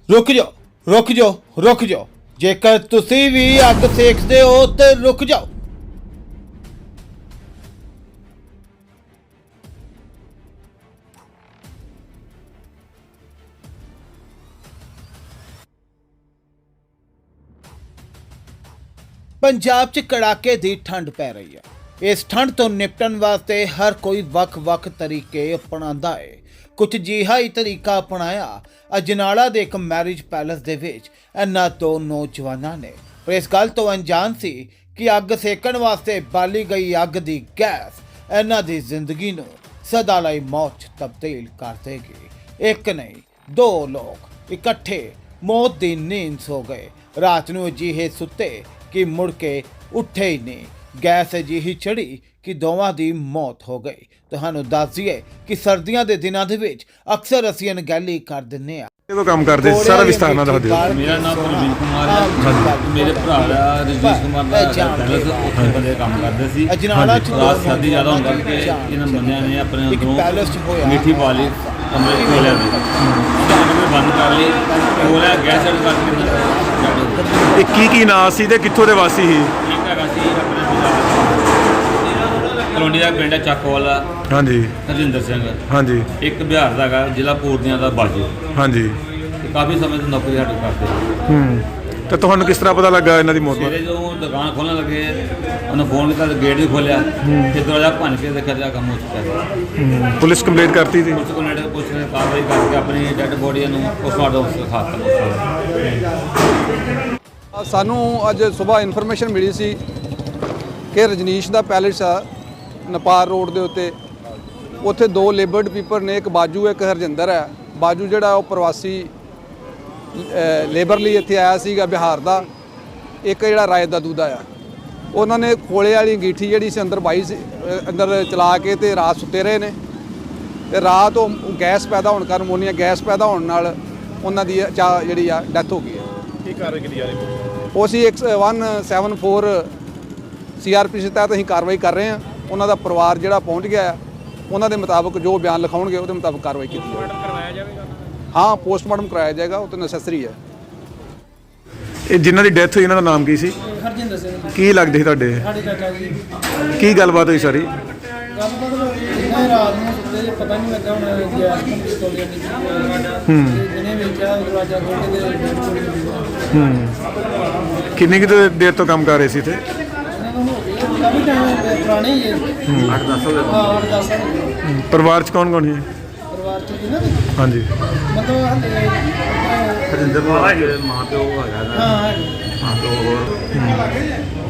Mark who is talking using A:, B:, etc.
A: रुक जाओ रुक जाओ रुक जाओ जेकर तुसी भी अग सेकदे हो तो रुक जाओ। पंजाब च कड़ाके दी ठंड पै रही है। इस ठंड तो निपटन वास्ते हर कोई वख-वख तरीके अपनांदा है। कुछ जिहा ही तरीका अपनाया अजनाला दे एक मैरिज पैलेस दे विच इन्हां दो नौजवानां ने, पर इस गल तो अनजान सी कि अग सेकण वास्ते बाली गई अग दी गैस इन्हां दी जिंदगी नूं सदा लई मौत च तब्दील कर देगी। एक नहीं दो लोग इकट्ठे मौत दी नींद सो गए। रात नूं अजीहे सुत्ते कि मुड़ के उठे ही नहीं। गैस अजिही चढ़ी कि दोवां दी मौत हो गई। तुहानूं दस दईए कि सर्दियां दे दिनां दे विच अक्सर असीं अनगैली कर दिंदे आ।
B: कदों काम करदे सारा विस्तार नाल दस दिओ।
C: मेरा नाम प्रवीण कुमार है। मेरे भरा दा रजीश कुमार दा पैलेस उत्थे बंदे काम करदे सी।
A: अजनाला च
C: रात सर्दी ज़्यादा होंदा कि इन्हां बंदियां ने अपने अंदरों मिट्टी पा ली कमरे च खोलिया दी बंद कर ली खोलिया गैस चढ़ करके
B: ਇਹ ਕੀ ਨਾਂ ਸੀ ਤੇ ਕਿੱਥੋਂ ਦੇ ਵਾਸੀ ਸੀ?
C: एक हैगा सी अपने कलोनी का पिंड है ਚੱਕਵਾਲਾ।
B: ਹਾਂਜੀ
C: ਹਰਜਿੰਦਰ ਸਿੰਘ।
B: ਹਾਂਜੀ
C: ਇੱਕ ਬਿਹਾਰ ਦਾ ਹੈਗਾ ਜ਼ਿਲ੍ਹਾ ਪੂਰਨੀਆ ਦਾ ਬਾਜੂ।
B: ਹਾਂਜੀ
C: ਤੇ ਕਾਫੀ ਸਮੇਂ ਤੋਂ ਨੌਕਰੀ ਸਾਡੇ ਕਰਦੇ।
B: ਤੇ ਤੁਹਾਨੂੰ ਕਿਸ ਤਰ੍ਹਾਂ ਪਤਾ ਲੱਗਾ ਇਹਨਾਂ ਦੀ ਮੌਤ
C: ਸਵੇਰੇ ਜਦੋਂ ਦੁਕਾਨ ਖੋਲ੍ਹਣ ਲੱਗੇ ਉਹਨੇ ਫੋਨ ਕੀਤਾ ਤੇ ਗੇਟ ਵੀ ਖੋਲ੍ਹਿਆ ਤੇ ਦਰਵਾਜ਼ਾ ਭੰਨ ਕੇ ਦੇਖਿਆ ਤਾਂ ਕੰਮ ਹੋ ਚੁੱਕਾ ਸੀ।
B: ਪੁਲਿਸ ਕੰਪਲੇਂਟ ਕਰਤੀ ਸੀ?
C: ਪੁਲਿਸ ਕੋਲ ਨੇੜੇ ਪੁਲਿਸ ਨੇ ਕਾਰਵਾਈ ਕਰਕੇ ਆਪਣੀ ਡੈੱਡ ਬੋਡੀ ਨੂੰ ਪੋਸਟਮਾਰਟਮ ਦਿਖਾਤਾ।
D: ਸਾਨੂੰ ਅੱਜ ਸਵੇਰ ਇਨਫੋਰਮੇਸ਼ਨ ਮਿਲੀ ਸੀ ਕਿ ਰਜਨੀਸ਼ ਦਾ ਪੈਲੇਸ ਆ ਨਪਾਰ ਰੋਡ ਦੇ ਉੱਤੇ, ਉੱਥੇ ਦੋ ਲੇਬਰਡ ਪੀਪਲ ਨੇ, ਇੱਕ ਬਾਜੂ ਇੱਕ ਹਰਜਿੰਦਰ ਹੈ। ਬਾਜੂ ਜਿਹੜਾ ਉਹ ਪ੍ਰਵਾਸੀ ਲੇਬਰ ਲਈ ਇੱਥੇ ਆਇਆ ਸੀਗਾ ਬਿਹਾਰ ਦਾ, ਇੱਕ ਜਿਹੜਾ ਰਾਏ ਦਾ ਦੂਦਾ ਆ। ਉਹਨਾਂ ਨੇ ਖੋਲੇ ਵਾਲੀ ਅੰਗੀਠੀ ਜਿਹੜੀ ਸੀ ਅੰਦਰ ਬਾਈ ਸੀ ਅੰਦਰ ਚਲਾ ਕੇ ਤੇ ਰਾਤ ਸੁੱਤੇ ਰਹੇ ਨੇ ਤੇ ਰਾਤ ਉਹ ਗੈਸ ਪੈਦਾ ਹੋਣ ਕਾਰਨ ਅਮੋਨੀਆ ਗੈਸ ਪੈਦਾ ਹੋਣ ਨਾਲ ਉਹਨਾਂ ਦੀ ਜਿਹੜੀ ਆ ਡੈਥ ਹੋ ਗਈ ਹੈ।
B: ਕੀ ਕਾਰਵਾਈ ਕੀਤੀ ਜਾ ਰਹੀ?
D: ਉਹ ਅਸੀਂ 174 CRPC ਤਹਿਤ ਅਸੀਂ ਕਾਰਵਾਈ ਕਰ ਰਹੇ ਹਾਂ। ਉਹਨਾਂ ਦਾ ਪਰਿਵਾਰ ਜਿਹੜਾ ਪਹੁੰਚ ਗਿਆ ਆ, ਉਹਨਾਂ ਦੇ ਮੁਤਾਬਕ ਜੋ ਬਿਆਨ ਲਿਖਾਉਣਗੇ ਉਹਦੇ ਮੁਤਾਬਕ ਕਾਰਵਾਈ ਕੀਤੀ ਜਾਵੇਗੀ। ਪੋਸਟਮਾਰਟਮ ਕਰਵਾਇਆ ਜਾਵੇਗਾ? ਹਾਂ, ਪੋਸਟਮਾਰਟਮ ਕਰਾਇਆ ਜਾਏਗਾ, ਉਹ ਤਾਂ ਨੈਸੈਸਰੀ ਹੈ।
B: ਇਹ ਜਿਨ੍ਹਾਂ ਦੀ ਡੈਥ ਹੋਈ ਇਹਨਾਂ ਦਾ ਨਾਮ ਕੀ ਸੀ?
E: ਹਰਜਿੰਦਰ ਸਿੰਘ।
B: ਕੀ ਲੱਗਦੇ ਸੀ ਤੁਹਾਡੇ?
E: ਸਾਡੇ ਚਾਚਾ ਜੀ।
B: ਕੀ ਗੱਲਬਾਤ ਹੋਈ ਸਾਰੀ?
E: ਗੱਲਬਾਤ ਇਹਨਾਂ ਰਾਤ ਨੂੰ ਸੁੱਤੇ ਪਤਾ ਨਹੀਂ ਲੱਗਾ ਹੁਣ ਗੈਸ ਪਿਸਤੌਲੀਆਂ ਦੀ ਜਿਹਨੇ ਵੇਖਿਆ ਦਰਵਾਜ਼ਾ ਖੋਲ੍ਹ ਕੇ
B: ਕਿੰਨੀ ਕੁ ਦੇਰ ਤੋਂ ਕੰਮ ਕਰ ਰਹੇ ਸੀ ਇੱਥੇ?
E: ਇਹਨਾਂ ਨੂੰ ਹੋ ਗਏ ਕਾਫੀ ਟਾਈਮ ਪੁਰਾਣੇ ਹੀ ਹੈ।
C: 8-10 ਸਾਲ
E: ਹਾਂ 8-10 ਸਾਲ।
B: ਪਰਿਵਾਰ 'ਚ ਕੌਣ ਕੌਣ ਹੈ?
E: ਪਰਿਵਾਰ ਚ ਕਿਹਨਾਂ ਦੇ
B: ਹਾਂਜੀ
E: ਮਤਲਬ ਹਾਲੇ
C: ਹਰਜਿੰਦਰ ਮਾਂ ਪਿਓ ਹੈਗਾ।
E: ਹਾਂ
C: ਹਾਂ, ਦੋ ਹੋਰ